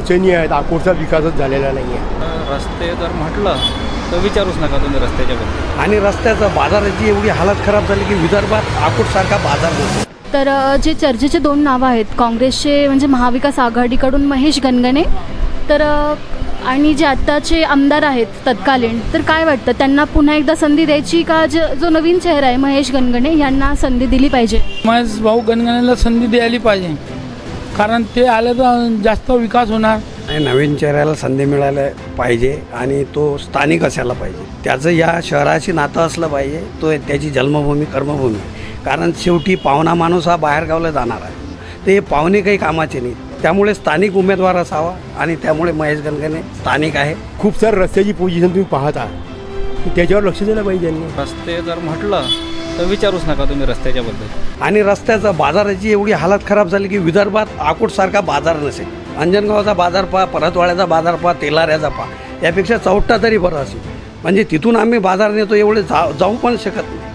अडचणी आहेत, अकोटचा विकासच झालेला नाही आहे. रस्ते जर म्हटलं तर विचारूच नका तुम्ही रस्त्याच्याबद्दल. आणि रस्त्याचं बाजाराची एवढी हालत खराब झाली की विदर्भात अकोटसारखा बाजार नसतो. तर जे चर्चेचे दोन नावं आहेत, काँग्रेसचे म्हणजे महाविकास आघाडीकडून महेश गणगणे, तर आणि जे आत्ताचे आमदार आहेत तत्कालीन, तर काय वाटतं त्यांना पुन्हा एकदा संधी द्यायची का जो नवीन चेहरा आहे महेश गणगणे यांना संधी दिली पाहिजे? महेश भाऊ गणगणेला संधी द्यायला पाहिजे, कारण ते आले तर जास्त विकास होणार. आणि नवीन चेहऱ्याला संधी मिळायला पाहिजे आणि तो स्थानिक असायला पाहिजे. त्याचं या शहराशी नातं असलं पाहिजे. तो त्याची जन्मभूमी कर्मभूमी, कारण शेवटी पाहुणा माणूस हा बाहेरगावला जाणार आहे. ते पाहुणे काही कामाचे नाहीत. त्यामुळे स्थानिक उमेदवार असावा आणि त्यामुळे महेश गणगणे स्थानिक आहे. खूप सारं रस्त्याची पोझिशन तुम्ही पाहता, त्याच्यावर लक्ष दिलं पाहिजे यांनी. रस्ते जर म्हटलं तर विचारूच नका तुम्ही रस्त्याच्याबद्दल. आणि रस्त्याचं बाजाराची एवढी हालत खराब झाली की विदर्भात अकोटसारखा बाजार नसेल. अंजनगावचा बाजार पहा, परतवाड्याचा बाजार पहा, तेलाऱ्याचा पहा, यापेक्षा चौथा तरी बरं असेल. म्हणजे तिथून आम्ही बाजार नेतो, एवढे जाऊ पण शकत नाही.